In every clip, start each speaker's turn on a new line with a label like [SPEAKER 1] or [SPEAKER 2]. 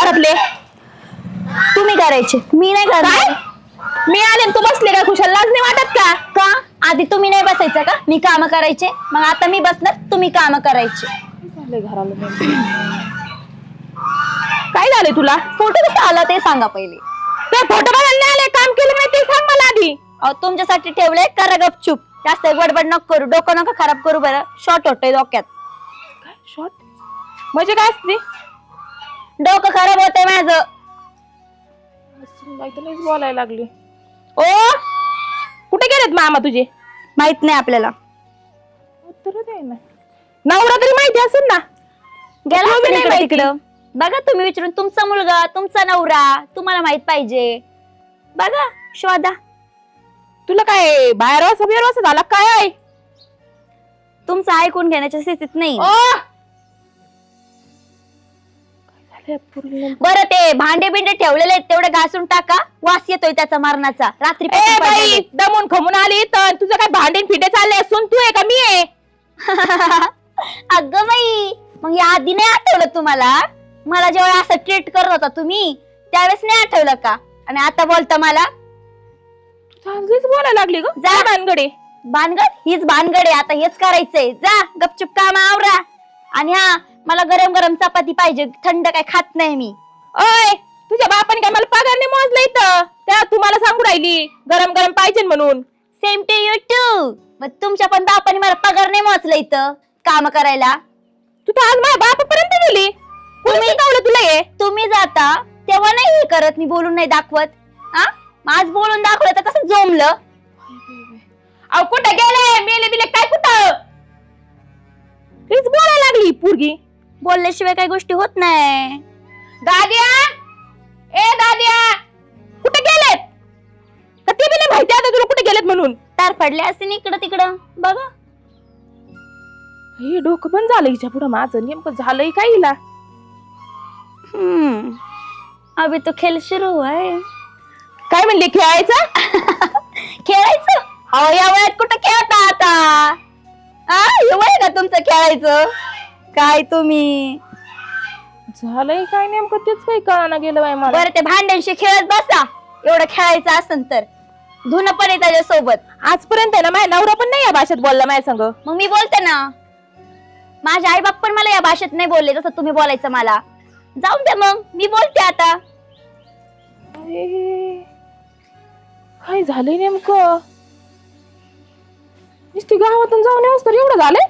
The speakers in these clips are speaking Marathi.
[SPEAKER 1] घरातले?
[SPEAKER 2] तुम्ही करायचे, मी नाही करणार.
[SPEAKER 1] मी आले तू बसले काय खुशाल? लाज नाही वाटत का?
[SPEAKER 2] का आधी तुम्ही नाही बसायचं का? मी काम करायचे, मग आता मी बसणार, तुम्ही काम करायचे.
[SPEAKER 1] काय झालंय तुला?
[SPEAKER 2] फोटो कसा आला ते सांगा पहिले.
[SPEAKER 1] ते फोटो बघायला आले, काम केलं नाही ते सांग मला आधी.
[SPEAKER 2] अहो तुमच्यासाठी ठेवलंय, करा गपचूप. जास्त गडबड नको करू, डोकं नका खराब करू बरं. शॉर्ट होतोय डोक्यात.
[SPEAKER 1] काय शॉर्ट म्हणजे काय असते?
[SPEAKER 2] डोकं खराब होतंय माझं.
[SPEAKER 1] बोलायला लागली. ओ कुठे गेलेत मामा तुझे?
[SPEAKER 2] माहित नाही आपल्याला.
[SPEAKER 1] उत्तर दे ना. नवरा तरी माहिती असेल ना.
[SPEAKER 2] गेला
[SPEAKER 1] तुम्ही नाही
[SPEAKER 2] असेल
[SPEAKER 1] माहिती.
[SPEAKER 2] तिकडं. बघा तुम्ही विचारून, तुमचा मुलगा, तुमचा नवरा, तुम्हाला माहित पाहिजे. बघा शोधा.
[SPEAKER 1] तुला काय बाहेर वासा झाला काय आहे?
[SPEAKER 2] तुमचं ऐकून घेण्याच्या स्थितीत नाही. बरं ते भांडे बिंडे ठेवलेले आहेत तेवढे घासून टाका. वास येतोय त्याचा मरणाचा. रात्री
[SPEAKER 1] बाई दमून खमून आली तर तुझं काय भांडे फिटे चालले असून तू आहे का मी आहे?
[SPEAKER 2] अगं बाई, मग या आधी नाही आठवलं तुम्हाला? मला जेव्हा असं ट्रीट करत होता तुम्ही त्यावेळेस नाही आठवलं का? आणि आता बोलता मला?
[SPEAKER 1] चांगलीच बोलायला लागली ग.
[SPEAKER 2] जा
[SPEAKER 1] भानगडे.
[SPEAKER 2] भानगड हीच भानगड आहे. आता हेच करायचंय. जा गपचूप काम आवरा. आणि हा, मला गरम गरम चपाती पाहिजे, थंड काय खात नाही मी.
[SPEAKER 1] ओय तुझ्या बापाने काय मला पगार नाही मोजला इथं? त्या तुम्हाला सांगू राहिली गरम गरम पाहिजे म्हणून.
[SPEAKER 2] Same to you too. मग तुमच्या पण बापाने मला पगार नाही मोजला इथं काम करायला.
[SPEAKER 1] तू तर आज माझ्या बापापर्यंत गेली. तुम्ही शिकवलं तुला हे?
[SPEAKER 2] तुम्ही जाता तेव्हा नाही हे करत, मी बोलून नाही दाखवत. हा, आज बोलून दाखवलं तर कसं जमलं?
[SPEAKER 1] अहो कुठे गेले? मेले बिले काय कुठं? तीच बोलायला लागली पोरगी.
[SPEAKER 2] बोलल्याशिवाय काही गोष्टी होत नाही.
[SPEAKER 1] दाद्या, ए दाद्या, कुठे गेलेत? का ते बी नाही माहिती आता तुला कुठे गेलेत म्हणून?
[SPEAKER 2] तार पडले असते ना इकडं तिकडं. बघा
[SPEAKER 1] हे डोकं पण झालं हिच्या पुढं माझं. नेमकं झालंय काय हिला?
[SPEAKER 2] अभी तो खेळ सुरू हुआ है.
[SPEAKER 1] काय म्हणले खेळायचं?
[SPEAKER 2] खेळायचं? अहो या वयात कुठं खेळता आता? हे वय का तुमचं खेळायचं? काय तुम्ही
[SPEAKER 1] झालंय काय नेमकं तेच काही कळाना गेलं बाई मला.
[SPEAKER 2] बरं ते भांड्यांशी खेळत बसा. एवढं खेळायचं असेल तर धुणं पण आहे त्याच्यासोबत.
[SPEAKER 1] आजपर्यंत ना माझ्या नवरा पण नाही या भाषेत बोलला माझ्या संग.
[SPEAKER 2] मग मी बोलते ना. माझे आई बाप पण मला या भाषेत नाही बोलले जसं तुम्ही बोलायचं मला. जाऊन दे मग, मी बोलते आता.
[SPEAKER 1] काय झालंय नेमकं? नुसती गावातून जाऊन येऊस तर एवढं झालंय?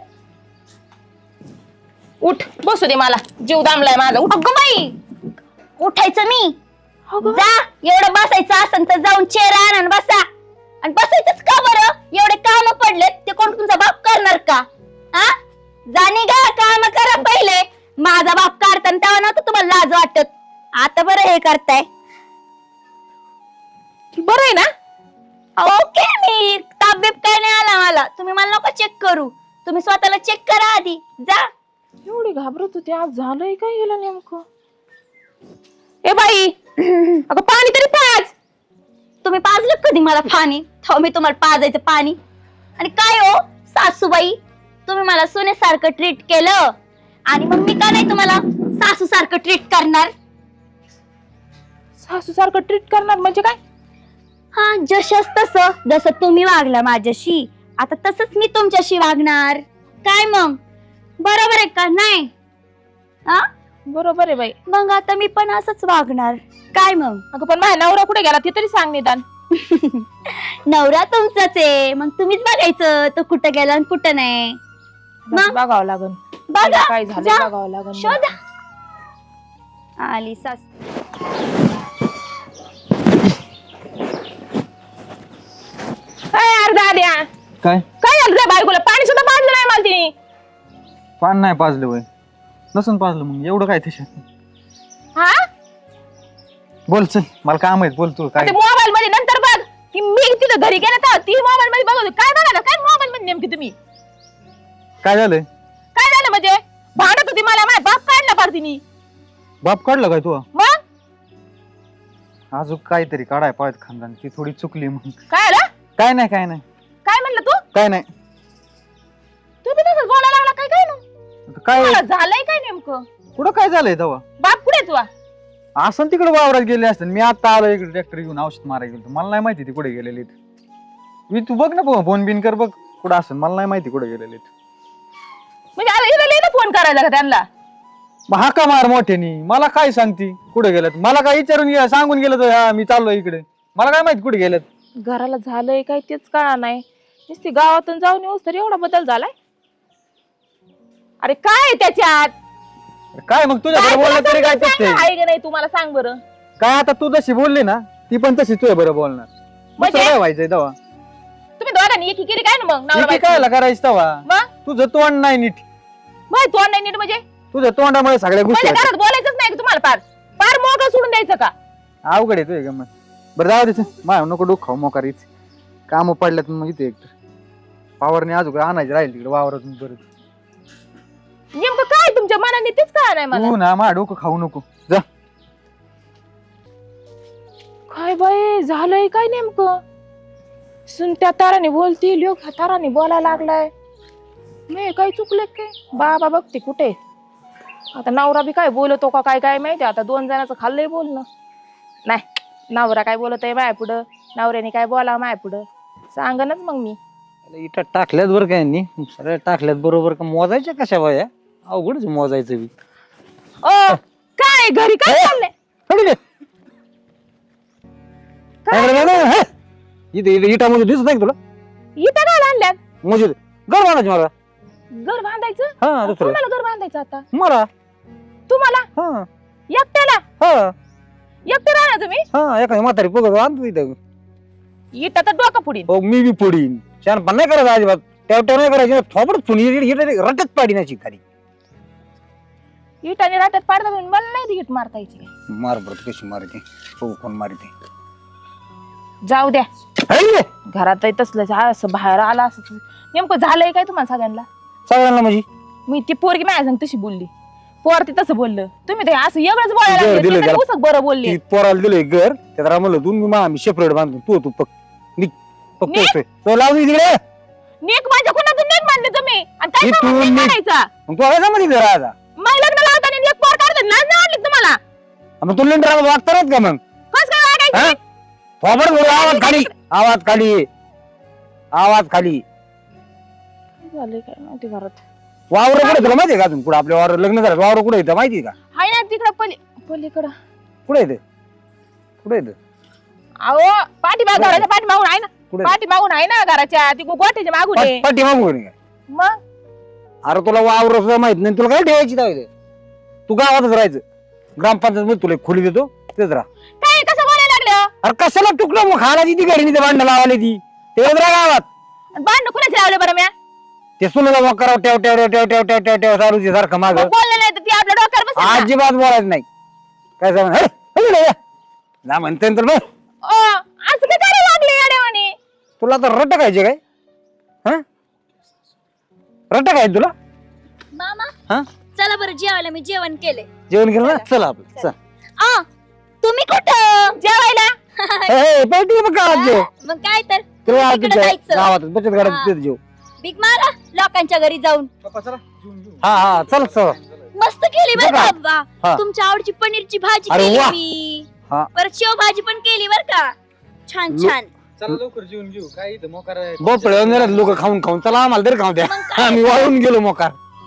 [SPEAKER 1] उठ बसू दे, मला जीव दामलाय माझा. उठ.
[SPEAKER 2] अगं बाई, उठायचं मी? जा, एवढं बसायचं असेल तर जाऊन चेअर आण आणि बसा. आणि बसायचंच का बरं? एवढे काम पडलेत ते कोण तुमचा बाप करणार का? हा, जाणे गा काम करा पहिले. माझा बाप काढताना तेव्हा नव्हतं तुम्हाला लाज वाटत. आता बरं हे करताय.
[SPEAKER 1] बरं आहे ना?
[SPEAKER 2] ओके, मी ताप बीप काय नाही आला मला. तुम्ही मला नको चेक करू. तुम्ही स्वतःला चेक करा आधी. जा.
[SPEAKER 1] एवढी घाबरत होती, आज झालंय काय गेलं नेमकं? ए बाई, अगं पाणी तरी पाज.
[SPEAKER 2] तुम्ही पाजलं कधी मला पाणी? मी तुम्हाला पाजायचं पाणी? आणि काय हो सासूबाई, तुम्ही मला सोन्यासारखं ट्रीट केलं आणि मग मी का नाही तुम्हाला सासू सारखं ट्रीट करणार?
[SPEAKER 1] सासू सारखं ट्रीट करणार म्हणजे काय?
[SPEAKER 2] हा, जसंच तसं. जसं तुम्ही वागला माझ्याशी, आता तसंच मी तुमच्याशी वागणार. काय मग बरोबर आहे का नाही? हा,
[SPEAKER 1] बरोबर आहे बाई.
[SPEAKER 2] मग आता मी पण असंच वागणार. काय मग?
[SPEAKER 1] अगं पण माझ्या नवरा कुठे गेला ते तरी सांग निदान.
[SPEAKER 2] नवरा तुमचाच आहे, मग तुम्हीच बघायचं तो कुठं गेला आणि कुठं नाही.
[SPEAKER 1] बघावं लागन.
[SPEAKER 2] बघा,
[SPEAKER 1] काय झालं
[SPEAKER 2] जा,
[SPEAKER 1] बघावं लागन.
[SPEAKER 2] शोधा. आली सास.
[SPEAKER 1] काय अर्धा द्या.
[SPEAKER 3] काय
[SPEAKER 1] काय झालं रे बायकोला? पाणी सुद्धा पाजलं नाही मला तिने.
[SPEAKER 3] पान नाही पाजलं वय नसून पाजलं मग एवढं काय त्याच्यात?
[SPEAKER 1] हा,
[SPEAKER 3] बोल चल, मला काम आहे. बोल तू काय?
[SPEAKER 1] मोबाईल मध्ये नंतर बघ की मी तिथं घरी गेले तर ती मोबाईल मध्ये बघत होती. काय बघा काय मोबाईल मध्ये नेमकी तुम्ही?
[SPEAKER 3] काय झालंय?
[SPEAKER 1] काय झालं म्हणजे? भांडत होती मला, माझ्या बाप काढला पार तिने.
[SPEAKER 3] बाप काढलं काय तू?
[SPEAKER 1] मग
[SPEAKER 3] अजून काहीतरी काढाय पाळत खानदान, ती थोडी चुकली मग.
[SPEAKER 1] काय आलं?
[SPEAKER 3] काय नाही काय नाही
[SPEAKER 1] काय म्हणलं तू?
[SPEAKER 3] काय नाही.
[SPEAKER 1] तू बी तसंच बोलायला लागला. काय काय ना
[SPEAKER 3] काय
[SPEAKER 1] झालंय काय नेमकं?
[SPEAKER 3] कुठं काय झालंय तेव्हा?
[SPEAKER 1] बाप कुठे तुझा?
[SPEAKER 3] असं तिकडे वावरात गेले असते मी आता आलो इकडे ट्रॅक्टर घेऊन औषध मारायला गेलो मला नाही माहिती ती कुठे गेलेली मी तू बघ ना फोन बिन कर बघ कुठं असेल मला नाही माहिती कुठे गेलेली
[SPEAKER 1] म्हणजे आता इथं फोन करायला का त्यांना?
[SPEAKER 3] मग हाका मार मोठ्यानी मला काय सांगती कुठे गेल्यात मला काय विचारून गेला सांगून गेलं तर हा मी चाललो इकडे मला काय माहिती कुठे गेल्यात
[SPEAKER 1] घराला झालंय काय तेच कळा नाही नुसती गावातून जाऊन येऊस तर एवढा बदल झालाय. अरे काय आहे त्याच्यात
[SPEAKER 3] काय मग तुझ्या
[SPEAKER 1] काय
[SPEAKER 3] बोललं तरी काय
[SPEAKER 1] तुला
[SPEAKER 3] तसं
[SPEAKER 1] सांग
[SPEAKER 3] आहे?
[SPEAKER 1] आहे का नाही तुम्हाला सांग बरं.
[SPEAKER 3] काय आता तू जशी बोलली ना ती पण तशी तुझ्या बरं बोलणार
[SPEAKER 1] म्हणजे?
[SPEAKER 3] दुसरं काय व्हायचंय तेव्हा
[SPEAKER 1] तुम्ही दोघांनी एकी केली काय ना मग नवरा बायको?
[SPEAKER 3] कायला करायचं तेव्हा
[SPEAKER 1] मग
[SPEAKER 3] तुझं तोंड नाही नीट
[SPEAKER 1] मग तोंड नाही नीट म्हणजे
[SPEAKER 3] तुझ्या तोंडामुळे सगळ्या गोष्टी
[SPEAKER 1] म्हणजे
[SPEAKER 3] होतात.
[SPEAKER 1] घरात बोलायचंच नाही का तुम्हाला पार पार मोकळं सोडून द्यायचं का?
[SPEAKER 3] अवघड आहे तुझ्या गमत बरं जाऊ दे माय नको डोक खाऊ मोकारीच काम पडल्यात मग इथे एकतर पावरने अजून आणायचे राहील तिकडे वावरातून परत
[SPEAKER 1] नेमकं काय तुमच्या मनाने तेच कळा नाही मला.
[SPEAKER 3] तू ना मा डोकं खाऊ नको जा
[SPEAKER 1] काय बाई झालंय काय नेमकं? सुन त्या ताराने बोलती लोक ह्या ताराने बोलायला लागलाय. मी काय चुकले काय? बाबा बघते कुठे आता नवरा बी काय बोलतो का काय काय माहिती आता 2 जणांचं खाल्लंय बोलणं. नाही नवरा काय बोलत आहे माय पुढं नवऱ्याने काय बोला माय पुढं सांगनच मग मी.
[SPEAKER 3] इथं टाकल्यात बरं काय यांनी सगळ्या टाकल्यात बरोबर का मोजायच्या कशा बाया अवघडच मोजायचं बी
[SPEAKER 1] ओ काय घरी काय चाललंय?
[SPEAKER 3] इथे इटा म्हणजे दिसत नाही का तुला
[SPEAKER 1] इथं काय आणल्यात?
[SPEAKER 3] म्हणजे घर बांधायची मला
[SPEAKER 1] घर बांधायचं?
[SPEAKER 3] हा दुसरं
[SPEAKER 1] कोणाला घर बांधायचं आता?
[SPEAKER 3] मला
[SPEAKER 1] तुम्हाला
[SPEAKER 3] हा
[SPEAKER 1] एकट्याला?
[SPEAKER 3] हा
[SPEAKER 1] एकटे राहणार तुम्ही?
[SPEAKER 3] हा एखादी म्हातारी बघत आणतो इथं
[SPEAKER 1] इथं तर डोका पुढील.
[SPEAKER 3] हो मी बी फोडीन शहाणपण नाही करायचं अजिबात तेवढं नाही करायचं थोबड फोडी रटत पाडी नाही खाली
[SPEAKER 1] इटाने राहतात पाडता म्हणून मला नाही हिट मारता यायची.
[SPEAKER 3] मार बरं कशी मारते हो कोण मारते
[SPEAKER 1] जाऊ द्या घरात तसलं असं बाहेर आला असं नेमकं झालंय काय तुम्हाला सगळ्यांना?
[SPEAKER 3] सगळ्यांना म्हणजे
[SPEAKER 1] मी ती पोरगी माझ्या संग तशी बोलली पोर ती तसं बोललं तुम्ही ते असं एवढंच
[SPEAKER 3] घर
[SPEAKER 1] बोलायला
[SPEAKER 3] दिलं
[SPEAKER 1] लागले.
[SPEAKER 3] त्याला.
[SPEAKER 1] उसक बरं बोलली.
[SPEAKER 3] ती पोराला दिलंय घर त्यात रामलं तू मी सेपरेट बांधतो तू पक निघ
[SPEAKER 1] निघ?
[SPEAKER 3] तो लावून तिकडे
[SPEAKER 1] नेक माझ्या कोणातून नेक मानले तुम्ही आणि काय
[SPEAKER 3] इथून
[SPEAKER 1] संबंध नेक
[SPEAKER 3] निघ.
[SPEAKER 1] मानायचा?
[SPEAKER 3] मग तू आला मध्ये राजा
[SPEAKER 1] मग लग्न लावताना एक पोर काढतात लाज नाही वाटली तुम्हाला?
[SPEAKER 3] मग तू लिंडर वागता नाहीत का मग
[SPEAKER 1] कस काय वागायचं?
[SPEAKER 3] हा? थोबड बोल आवाज खाली आवाज खाली आवाज खाली
[SPEAKER 1] काय झालंय काय माहिती घरात.
[SPEAKER 3] वावर कुठे तुला माहितीये का अजून कुठं आपल्या वावर लग्न झालं वावर कुठे येतं माहितीये का
[SPEAKER 1] हाय ना तिकडं पलीकडं
[SPEAKER 3] कुठे येतं कुठे येतं
[SPEAKER 1] अहो पाठीमाग घराच्या पाठीमागून आहे ना
[SPEAKER 3] कुठे
[SPEAKER 1] पाठीमागून आहे ना घराच्या ती गोठ्याच्या मागून आहे.
[SPEAKER 3] पाठी मागू काय
[SPEAKER 1] मग
[SPEAKER 3] अरे तुला वावर सुद्धा माहित नाही तुला काय ठेवायची दावे तू गावातच राहायचं ग्रामपंचायत मध्ये तुला एक खोली देतो तेच राहा
[SPEAKER 1] काय कसं बोलायला लागलं?
[SPEAKER 3] अरे कशाला तुकडं मग खायला ती घरी नाही भांडण लावायला ती तेच राहा गावात
[SPEAKER 1] आणि भांडण कुणाचे लावले बरं म्या?
[SPEAKER 3] ते सुनला मग करावं टेव टेव टेव टेव टेव टेव टेव चालू सारखं माग
[SPEAKER 1] मग बोलले नाही तर ती आपल्या डोक्यावर बसेल ना.
[SPEAKER 3] अजिबात बोलायचं नाही काय सांग ना म्हणते तर बघ
[SPEAKER 1] असं काय करायला लागले येड्यावानी?
[SPEAKER 3] तुला तर रट खायचे काय हा रट काय तुला
[SPEAKER 2] मामा
[SPEAKER 3] हा
[SPEAKER 2] चला बरं जेवायला मी जेवण केले.
[SPEAKER 3] जेवण केलं ना चला आपलं चल
[SPEAKER 2] आ तुम्ही कुठं
[SPEAKER 1] जेवायला
[SPEAKER 3] पार्टी मग गावात जेव
[SPEAKER 2] मग काय तर
[SPEAKER 3] तुला
[SPEAKER 2] तिकडे जायचं.
[SPEAKER 3] गावात बचत
[SPEAKER 2] हा.
[SPEAKER 3] घरात तिथे जेव
[SPEAKER 2] बिग मारा लोकांच्या घरी जाऊन
[SPEAKER 3] हा हा चल चल
[SPEAKER 2] मस्त केली बरं
[SPEAKER 3] बघा.
[SPEAKER 2] का
[SPEAKER 3] हा.
[SPEAKER 2] बाबा तुमच्या आवडची पनीरची भाजी
[SPEAKER 3] अरे
[SPEAKER 2] केली
[SPEAKER 3] वा.
[SPEAKER 2] मी
[SPEAKER 3] हा.
[SPEAKER 2] परत शेव भाजी पण केली बरं का छान छान.
[SPEAKER 3] चला लवकर जेवून घेऊ काय इथं मोकार भोपळे लोक खाऊन खाऊन चला आम्हाला तरी खाऊ द्या
[SPEAKER 2] मग काय?
[SPEAKER 3] आम्ही वाळून गेलो मोकार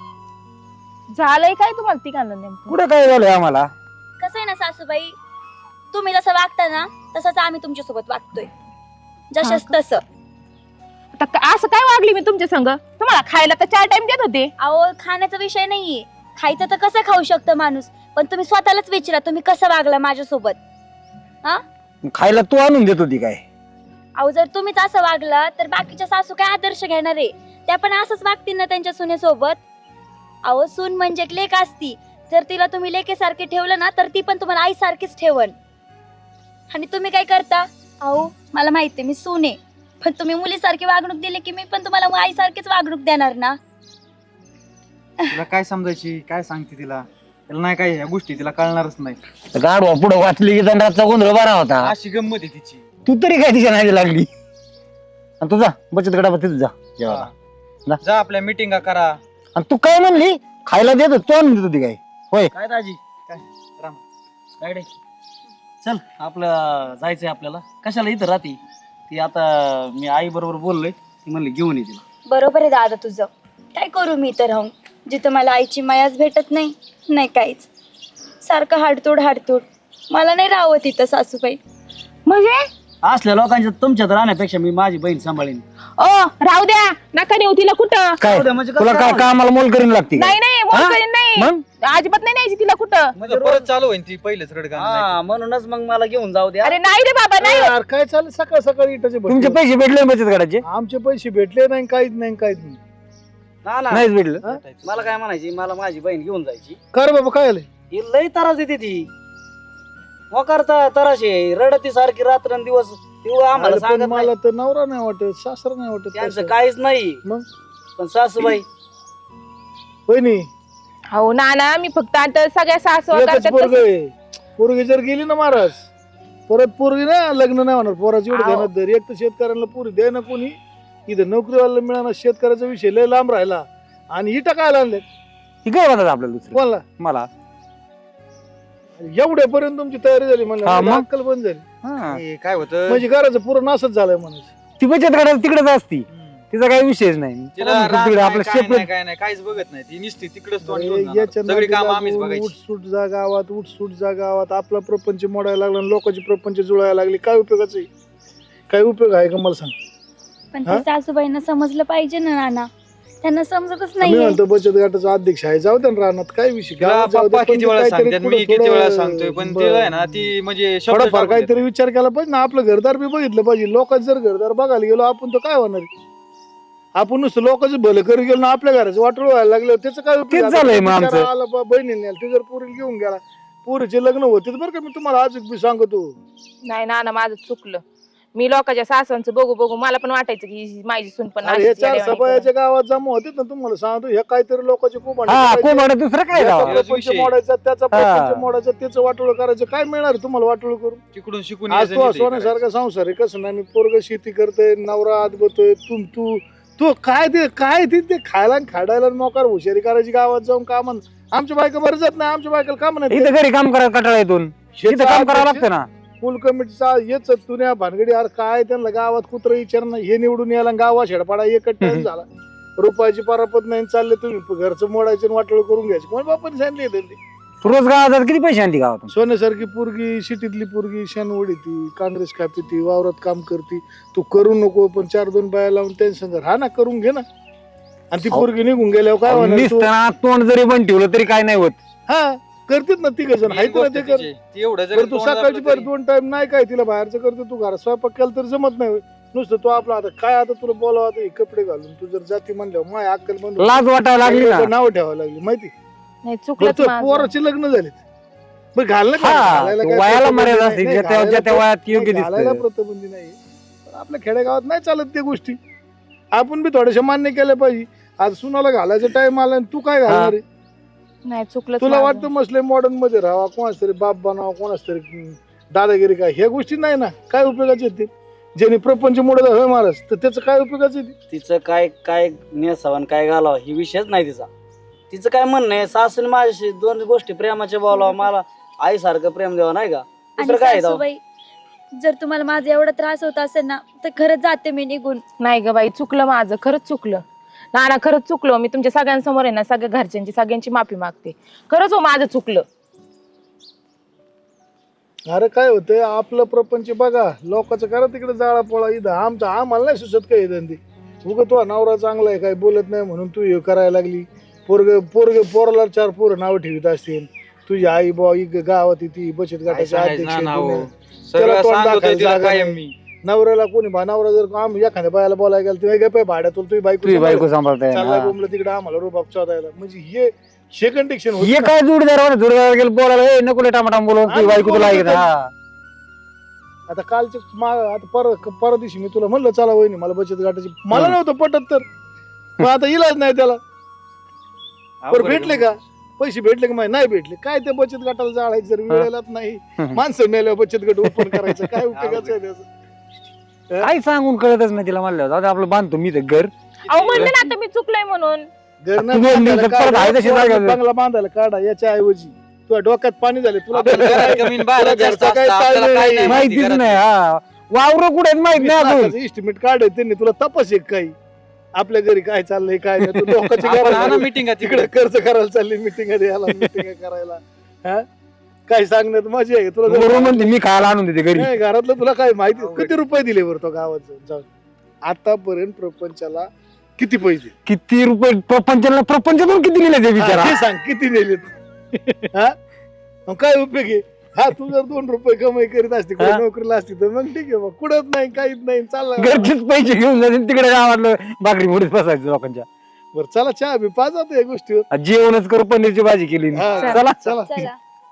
[SPEAKER 1] झालंय काय तुम्हाला तिघांना नेमकं?
[SPEAKER 3] कुठे काय झालंय आम्हाला
[SPEAKER 2] कसं आहे ना सासूबाई तुम्ही जसं वागता ना तसंच आम्ही तुमच्या सोबत वागतोय जशाच
[SPEAKER 1] हा
[SPEAKER 2] तसं.
[SPEAKER 1] आता असं काय वागली मी तुमच्या संग? तुम्हाला खायला तर 4 टाइम देत होते.
[SPEAKER 2] अहो खाण्याचा विषय नाहीये खायचं तर कसं खाऊ शकतं माणूस पण तुम्ही स्वतःलाच विचारा तुम्ही कसं वागला माझ्यासोबत. हा
[SPEAKER 3] खायला तू आणून देत होती काय
[SPEAKER 2] अहो जर तुम्हीच असं वागला तर बाकीच्या सासू काय आदर्श घेणार आहे त्या पण असंच वागतील ना त्यांच्या सुनेसोबत. अहो सून म्हणजे एक लेक असती जर तिला तुम्ही लेकेसारखे ठेवलं ना तर ती पण तुम्हाला आई सारखीच ठेवन. आणि तुम्ही काय करता अहो मला माहितीये मी सून आहे पण तुम्ही मुलीसारखी वागणूक दिली की मी पण तुम्हाला आई सारखीच वागणूक देणार ना.
[SPEAKER 3] तिला काय समजायची काय सांगते तिला तिला नाही काय ह्या गोष्टी तिला कळणारच नाही गाडवा पुढे वाचली की दंडाचा गोंधळ बरा होता अशी गंमत आहे तिची तू तरी काय तिच्या नाही लागली आणि तुझा बचत गटावर तिथे जा जेवायला जा आपल्या मीटिंगा करा आणि तू काय म्हणली खायला देत तू आणून देत होती काय होय काय दाजी काय
[SPEAKER 4] काय रे चल आपलं जायचंय आपल्याला. कशाला इथं राहते ती? आता मी आई बरोबर बोललोय, ती म्हणली घेऊन ये तिला.
[SPEAKER 2] बरोबर आहे दादा तुझं. काय करू मी तर राहून जिथं मला आईची मायाच भेटत नाही, नाही काहीच. सारखं हाडतोड. मला नाही राहावं तिथं सासूबाई.
[SPEAKER 1] म्हणजे
[SPEAKER 4] असल्या लोकांच्या तुमच्यात राहण्यापेक्षा मी माझी बहीण सांभाळीन.
[SPEAKER 1] ओ राहू द्या, नका नेऊ तिला कुठं.
[SPEAKER 3] काय
[SPEAKER 4] जाऊ दे, म्हणजे कसं
[SPEAKER 3] तुला काय
[SPEAKER 4] काय?
[SPEAKER 3] कामाला मोल करीन लागते
[SPEAKER 1] नाही नाही
[SPEAKER 3] हा?
[SPEAKER 1] मोलकरीण नाही,
[SPEAKER 3] मग
[SPEAKER 1] अजिबात नाही न्यायची तिला कुठं.
[SPEAKER 4] म्हणजे
[SPEAKER 3] परत
[SPEAKER 4] रोज-
[SPEAKER 3] चालू होईल ती पहिलेच रडगाणं नाही
[SPEAKER 4] हा म्हणूनच मग मला घेऊन जाऊ द्या.
[SPEAKER 1] अरे नाही रे बाबा नाही.
[SPEAKER 5] यार काय चाललं सकाळ सकाळी इटाचे
[SPEAKER 3] तुमचे पैसे भेटले ना बचत गटाचे?
[SPEAKER 5] आमचे पैसे भेटले नाही काहीच नाही
[SPEAKER 4] ना ना
[SPEAKER 3] नाहीच भेटलं.
[SPEAKER 5] हा?
[SPEAKER 4] मला काय म्हणायची, मला माझी बहीण घेऊन जायची.
[SPEAKER 5] कर बाबा काय आलंय
[SPEAKER 4] ही लई त्रास देते ती. मग करता तराशे रडती सारखी रात्रंदिवस. ती आम्हाला
[SPEAKER 5] अरे पण
[SPEAKER 4] सांगत नाही.
[SPEAKER 5] मला तर नवरा नाही वाटत, सासरा नाही वाटत
[SPEAKER 4] त्यांचं
[SPEAKER 5] तसं.
[SPEAKER 4] काहीच नाही.
[SPEAKER 5] मग?
[SPEAKER 4] पण सासूबाई
[SPEAKER 5] बहिणी
[SPEAKER 1] हो ना मी फक्त आता सगळ्या सासू
[SPEAKER 5] एकच
[SPEAKER 1] करतात
[SPEAKER 5] पोरग
[SPEAKER 1] तसं.
[SPEAKER 5] आहे. पोरगी जर गेली ना महाराज परत पोरगी ना लग्न नाही होणार. पोराची एवढं
[SPEAKER 1] आहो.
[SPEAKER 5] ध्यानात धर. एक तर शेतकऱ्यांना पोरी दे ना कोणी, इथं नोकरीवाला मिळाला. शेतकऱ्याचा विषय लय लांब राहिला आणि इटा काय आणले
[SPEAKER 3] ही काय म्हणतात आपल्याला दुसरं
[SPEAKER 5] कोणाला
[SPEAKER 3] मला?
[SPEAKER 5] एवढ्यापर्यंत तुमची तयारी झाली
[SPEAKER 3] हा,
[SPEAKER 5] म्हणलं
[SPEAKER 3] मग?
[SPEAKER 5] अक्कल बंद झाली.
[SPEAKER 3] हा.
[SPEAKER 6] हे काय होतं
[SPEAKER 5] म्हणजे घराचं पूर्ण नासच झालंय म्हणायचं.
[SPEAKER 3] ती बचत गटात तिकडेच असती, तिचा काही विषयच नाही.
[SPEAKER 6] तिला
[SPEAKER 3] तिकडे
[SPEAKER 6] राग नाही,
[SPEAKER 3] आपलं
[SPEAKER 6] काय
[SPEAKER 3] सेपरेट
[SPEAKER 6] नाही, काय नाही, काहीच बघत नाही. ती निसती तिकडेच तोंड
[SPEAKER 5] अरे
[SPEAKER 6] घेऊन जाणार.
[SPEAKER 5] याच्या
[SPEAKER 6] सगळी काम
[SPEAKER 5] नादी
[SPEAKER 6] आम्हीच
[SPEAKER 5] लागून
[SPEAKER 6] बघायची.
[SPEAKER 5] उठसूट जा गावात, उठसूट जा गावात. आपला प्रपंच मोडायला लागला आणि लोकांचे प्रपंच जुळायला लागले. काय उपयोगाचं आहे? काय उपयोग आहे का मला सांग.
[SPEAKER 2] पण
[SPEAKER 5] हा?
[SPEAKER 2] ते सासूबाईंना समजलं पाहिजे ना नाना. त्यांना समजतच
[SPEAKER 5] मी
[SPEAKER 2] नाहीये.
[SPEAKER 5] म्हणतो बचत गटाचा अध्यक्ष आहे, जाऊ द्या ना रानात. काय विषय
[SPEAKER 6] तिला
[SPEAKER 5] गावात जाऊ द्या,
[SPEAKER 6] पप्पा
[SPEAKER 5] पण
[SPEAKER 6] किती
[SPEAKER 5] ते
[SPEAKER 6] वेळा
[SPEAKER 5] काहीतरी
[SPEAKER 6] सांगतात, मी
[SPEAKER 5] पुढं
[SPEAKER 6] किती वेळा
[SPEAKER 5] थोडं
[SPEAKER 6] सांगतोय, पण
[SPEAKER 5] बरं.
[SPEAKER 6] तिला आहे ना ती म्हणजे शब्द
[SPEAKER 5] थोडाफार
[SPEAKER 6] टाकून
[SPEAKER 5] काहीतरी
[SPEAKER 6] देते.
[SPEAKER 5] विचार केला पाहिजे ना. आपलं घरदार बी बघितलं पाहिजे. लोकांचं जर घरदार बघायला गेलो आपण तर काय होणार आहे? आपण नुसतं लोकांचं भलं करू गेलो ना आपल्या घराचं वाटोळ व्हायला लागलं त्याचं काय उपयोग?
[SPEAKER 3] तेच झालंय मग
[SPEAKER 5] आता
[SPEAKER 3] आमचं.
[SPEAKER 5] बिचारा आला बा बहिणीने ते जर पोरीला घेऊन गेला, पोरीचे लग्न होते बरं का. मी तुम्हाला आज बी सांगतो
[SPEAKER 1] नाही ना माझं चुकलं. मी लोकांच्या सासांचं बघू मला पण वाटायचं की माझी सून पण
[SPEAKER 5] अरे हे
[SPEAKER 1] अशीच
[SPEAKER 5] चार
[SPEAKER 1] येड्यावानी
[SPEAKER 5] सभायाच्या गावात जमा होते ना. तुम्हाला सांगतो हे काहीतरी लोकांचे खूप
[SPEAKER 3] हा कोंबड दुसरं काय
[SPEAKER 5] याचा
[SPEAKER 3] राव?
[SPEAKER 5] प्रपंच
[SPEAKER 6] विषय.
[SPEAKER 5] मोडायचा, त्याचा
[SPEAKER 3] हा.
[SPEAKER 5] प्रपंच मोडायचा, त्याचं वाटोळ करायचं. काय मिळणार आहे तुम्हाला वाटोळ करून?
[SPEAKER 6] तिकडून शिकून
[SPEAKER 5] आज
[SPEAKER 6] यायचं
[SPEAKER 5] तू
[SPEAKER 6] नाही ते
[SPEAKER 5] सोन्यासारखा संसार आहे. कसं नाही, मी पोरग शेती करतोय, नवरा आत बतोय. तू तू काय ते खायला आणि खाडायला आणि मोकार हुशारी करायची गावात जाऊन काम. आमच्या बायका बरं जात नाही. आमच्या बायकाला काम नाही.
[SPEAKER 3] इथं घरी काम करायला कटाळा येतून इथं काम करावं लागतं ना.
[SPEAKER 5] फुल कमिटीचा येच तुन्या भानगडी. अरे काय त्यांना गावात कुत्र विचारणं, हे निवडून यायला गावा शेडपाडा एकच टाइम झाला. रुपयाची परापत नाही चालले तुम्ही घरचं मोडायचं आणि वाटोळ करून घ्यायचं. कोण बापाने सांगितले ते?
[SPEAKER 3] रोज गावात किती पैसे आणते गावातून?
[SPEAKER 5] सोन्यासारखी पोरगी, सिटीतली पोरगी, शेण ती काँग्रेस कापी, वावरात काम करती. तू करू नको, पण 4-2 बाया लावून त्यांच्या संग हा ना करून घे ना. आणि ती पोरगी निघून गेल्यावर काय होणार? तू-
[SPEAKER 3] निसताना तोंड जरी बंद ठेवलं तरी काय नाही होत.
[SPEAKER 5] हा करतेत ना तिघ जण.
[SPEAKER 6] ही
[SPEAKER 5] हायत ना
[SPEAKER 6] गोष्ट
[SPEAKER 5] ते कर.
[SPEAKER 6] तिची. ती एवढं जरी
[SPEAKER 5] बरं तू
[SPEAKER 6] तोंड
[SPEAKER 5] सकाळची
[SPEAKER 6] दाबलं
[SPEAKER 5] पर
[SPEAKER 6] तरी-
[SPEAKER 5] 2 टाइम नाही काय तिला बाहेरचं करतो. तू घरात स्वयंपाक केला तर जमत नाही होय. नुसतं तू आपला आता काय आता तुला बोलावं आता हे कपडे घालून तू जर जाती म्हणल्यावर माय अक्कल बंद होते.
[SPEAKER 3] लाज वाटायला लागली ना.
[SPEAKER 5] नाव ठेवायला लागली माहिती.
[SPEAKER 1] नाही
[SPEAKER 5] बरं
[SPEAKER 1] चुकलंच
[SPEAKER 5] तुझ्या
[SPEAKER 1] माझं.
[SPEAKER 5] पोराचे लग्न झालेत. बरं घालणं काय?
[SPEAKER 3] हा
[SPEAKER 5] घालायला काय
[SPEAKER 3] वयाला
[SPEAKER 5] प्रतिबंध
[SPEAKER 3] मर्यादा
[SPEAKER 5] नाही.
[SPEAKER 3] असते
[SPEAKER 5] नाही,
[SPEAKER 3] ज्या त्या
[SPEAKER 5] घालायला
[SPEAKER 3] वयात योग्य
[SPEAKER 5] नाही, घालायला
[SPEAKER 3] दिसत.
[SPEAKER 5] प्रतिबंधी नाही. पण आपल्या खेडेगावात नाही चालत त्या गोष्टी. आपण बी थोड्याशा मान्य केल्या पाहिजे. आज सुनाला घालायचा टाइम आला आणि तू काय घालणार आहे?
[SPEAKER 1] नाही चुकलंच
[SPEAKER 5] तुला
[SPEAKER 1] माझं.
[SPEAKER 5] वाटतं मसले मॉडर्न मध्ये राहावा, कोणाच तरी बाप बनावा, कोणाच तरी दादागिरी काय, ह्या गोष्टी नाही ना. काय उपयोगाचे आहेत ते? ज्याने प्रपंच मोडत होय महाराज तर त्याचं काय उपयोगाचं आहे ते?
[SPEAKER 4] तिचं काय काय नेसावं आणि काय घालावं ही विषयच नाही तिचा. तिचं काय म्हणणं आहे, सासून माझ्याशी 2 गोष्टी प्रेमाच्या बोलावं, मला आईसारखं प्रेम द्यावं, नाही का?
[SPEAKER 2] आणि
[SPEAKER 4] दुसरं काय आहे तेव्हा?
[SPEAKER 2] सासूबाई जर तुम्हाला माझा एवढा त्रास होत असेल ना तर खरंच जाते मी निघून.
[SPEAKER 1] नाही ग बाई चुकलं माझं, खरंच चुकलं. ना खरंच चुकलं. मी तुमच्या सगळ्यांसमोर आहे ना सगळ्या घरच्यांची सगळ्यांची माफी मागते. खरंच हो माझं चुकलं.
[SPEAKER 5] अरे काय होतंय आपलं प्रपंच बघा, लोकांचं करा तिकडे जाळा पोळा. इथं आम्हाला नाही सुचत काय धंदे. उगा तो नवरा चांगला आहे काय बोलत नाही म्हणून तू हे करायला लागली. पोराला 4 पोरं नाव ठेवीत असतील. तुझी आई बाई गावात ती बचत
[SPEAKER 6] काय
[SPEAKER 5] गटाचे
[SPEAKER 6] सांगायचं
[SPEAKER 5] अध्यक्ष
[SPEAKER 6] ना
[SPEAKER 5] आहे
[SPEAKER 6] नाव.
[SPEAKER 5] पुण्यात.
[SPEAKER 6] सगळं
[SPEAKER 5] त्याला तोंड
[SPEAKER 6] सांगतोय
[SPEAKER 5] दाखवायला
[SPEAKER 6] तिला
[SPEAKER 5] जागा
[SPEAKER 6] कायम
[SPEAKER 5] नाही.
[SPEAKER 6] मी.
[SPEAKER 5] नवऱ्याला कोणी नवरा जर एखाद्या बायाला बोलायला गेला तुम्ही काय भाड्यात तुझी
[SPEAKER 3] तुझी बायको सांभाळताय
[SPEAKER 5] चाललाय
[SPEAKER 3] ना.
[SPEAKER 5] बोंबलं तिकडे आम्हाला रुबाब चोदायला. म्हणजे हे कंडिक्शन
[SPEAKER 3] हे काय जोडीदार गेलं बोलायला "ए, नको लय टमाटा बोलून तुझी बायको तुला ऐकत." हा
[SPEAKER 5] आता कालचे आता परवा दिवशी मी तुला म्हणलं चला वहिनी मला बचत गटाची. मला नव्हतं पटत तर पण आता इलाज नाही त्याला. बरं भेटले का पैसे भेटले का माहिती नाही भेटले काय ते बचत गटाला जाळायचं जर वेळेलाच नाही. माणसं मेल्यावर बचत गट ओपन करायचं काय उपयोगाचं आहे त्याचं?
[SPEAKER 3] काही सांगून कळतच नाही तिला. म्हणलं जाऊ दे, आपलं बांधतो मी तर घर.
[SPEAKER 1] अहो म्हणलं ना आता मी चुकलंय म्हणून.
[SPEAKER 5] घर
[SPEAKER 3] तुम्ही
[SPEAKER 5] नाही
[SPEAKER 3] परत आहे तशी जागा.
[SPEAKER 5] बंगला बांधायला काढा याच्या ऐवजी तुझ्या डोक्यात पाणी झाले तुला
[SPEAKER 6] आपल्याला घरात कमी आणि बाहेर
[SPEAKER 5] तुला
[SPEAKER 6] जास्त
[SPEAKER 5] घरचं काय
[SPEAKER 6] असतं, आपल्याला
[SPEAKER 5] चाललंय
[SPEAKER 6] काय नाही
[SPEAKER 3] माहितीच
[SPEAKER 6] घरात.
[SPEAKER 3] नाही हा वावर कुठे आहेत माहित नाही अजून
[SPEAKER 5] इस्टिमेट काढ त्यांनी तुला तपास एक काही आपल्या घरी काय चाललंय काय नाही तू लोकांची
[SPEAKER 6] आपण हा ना
[SPEAKER 5] घरात
[SPEAKER 6] meeting आहे
[SPEAKER 5] तिकडे खर्च करायला चालली मिटिंग याला मिटिंग करायला हा काय सांगण्यात मजा आहे तुला
[SPEAKER 3] बरोबर म्हणते मी खायला आणून देते घरी
[SPEAKER 5] नाही, घरातलं तुला काय माहिती किती रुपये दिले बरं तो गावात जाऊन आतापर्यंत प्रपंचाला किती पैसे
[SPEAKER 3] किती रुपये प्रपंचातून किती गेले ते
[SPEAKER 5] हा,
[SPEAKER 3] बिचारा
[SPEAKER 5] हे सांग किती नेलेत हा मग काय उपयोग आहे हा तू जर 2 रुपये कमाई करीत असती कुठे
[SPEAKER 3] हा?
[SPEAKER 5] नोकरीला असती तर मग ठीक आहे मग कुठत नाही काहीच नाही चाललं
[SPEAKER 3] घरचेच पैसे घेऊन जातील तिकडे गावातलं भाकरी मुडीत बसायचं लोकांच्या
[SPEAKER 5] बरं चला चहा बी पाच आता या गोष्टीवर
[SPEAKER 3] जेवणच करू पनीरची भाजी केली
[SPEAKER 5] हा,
[SPEAKER 3] चला
[SPEAKER 5] चला
[SPEAKER 2] चला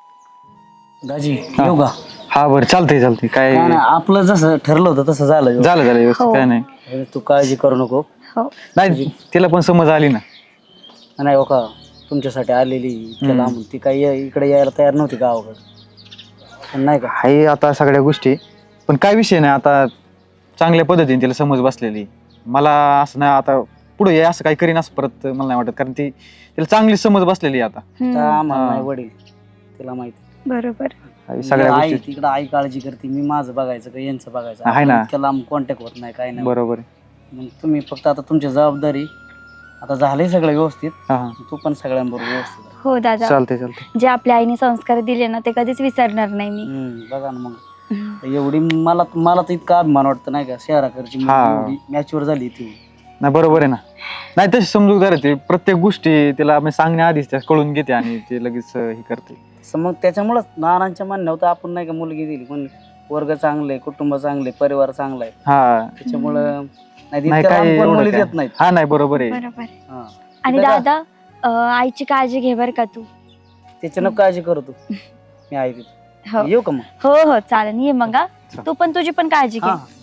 [SPEAKER 4] दाजी येऊ का
[SPEAKER 3] हा बरं चालतंय काय
[SPEAKER 4] काय नाही, आपलं जसं ठरलं होतं तसं झालं
[SPEAKER 3] झालं व्यवस्थित काय नाही
[SPEAKER 4] तू काळजी करू नको
[SPEAKER 3] नाही तिला पण समज आली ना
[SPEAKER 4] नाही हो का तुमच्यासाठी आलेली इतक्या लांबून ती काही इकडे यायला तयार नव्हती गावाकडे पण नाही का
[SPEAKER 3] आहे आता सगळ्या गोष्टी पण काय विषय नाही आता चांगल्या पद्धतीने तिला समज बसलेली मला असं नाही आता पुढे असं काही करीन असं परत मला नाही वाटत कारण तिला चांगली समज बसलेली आहे आता
[SPEAKER 4] आता आम्हाला
[SPEAKER 3] हा.
[SPEAKER 4] नाही वडील तिला माहिती
[SPEAKER 1] बरोबर
[SPEAKER 3] आहे सगळ्या
[SPEAKER 4] आई
[SPEAKER 3] गोष्टी
[SPEAKER 4] तिकडं आई काळजी करते मी माझं बघायचं का यांचं बघायचं
[SPEAKER 3] आहे ना.
[SPEAKER 4] आपण इतक्या लांब कॉन्टॅक्ट होत नाही काय नाही
[SPEAKER 3] बरोबर आहे
[SPEAKER 4] मग तुम्ही फक्त आता तुमची जबाबदारी आता झालंय सगळं व्यवस्थित
[SPEAKER 3] हा हा
[SPEAKER 4] तू पण सगळ्यांबरोबर व्यवस्थित राहा.
[SPEAKER 2] हो दादा
[SPEAKER 3] चालतंय
[SPEAKER 2] जे आपल्या आईने संस्कार दिले ना ते कधीच विसरणार नाही मी
[SPEAKER 4] बघा ना मग एवढी मला तर इतका अभिमान वाटतं नाही का शहराकडची मुलगी
[SPEAKER 3] हा.
[SPEAKER 4] एवढी मॅच्युअर झाली ती
[SPEAKER 3] नाही बरोबर आहे ना नाही तशी समजूतदार आहे ती प्रत्येक गोष्टी तिला मी सांगण्याआधीच त्या कळून घेते आणि ते लगेच हे करते
[SPEAKER 4] तसं मग त्याच्यामुळेच नानांच्या म्हणण्यावर तर आपण नाही का मुलगी दिली पण वर्ग चांगले कुटुंब चांगले परिवार चांगला आहे
[SPEAKER 3] हा
[SPEAKER 4] त्याच्यामुळं नाही
[SPEAKER 3] नाही
[SPEAKER 4] इतक्या
[SPEAKER 3] काय
[SPEAKER 4] लांब पण
[SPEAKER 3] एवढं
[SPEAKER 4] मुली
[SPEAKER 3] काय.
[SPEAKER 4] देत नाहीत
[SPEAKER 3] हा नाही बरोबर आहे
[SPEAKER 2] बरोबर
[SPEAKER 4] हा.
[SPEAKER 2] आणि
[SPEAKER 4] दादा,
[SPEAKER 2] दादा आईची काळजी घे बर का तू
[SPEAKER 4] त्याच्यानं काळजी करतो मी आहे तिथं
[SPEAKER 2] हो
[SPEAKER 4] येऊ का मग
[SPEAKER 2] हो हो चालेल ये मग हा. तू पण तुझी पण काळजी घे
[SPEAKER 4] हा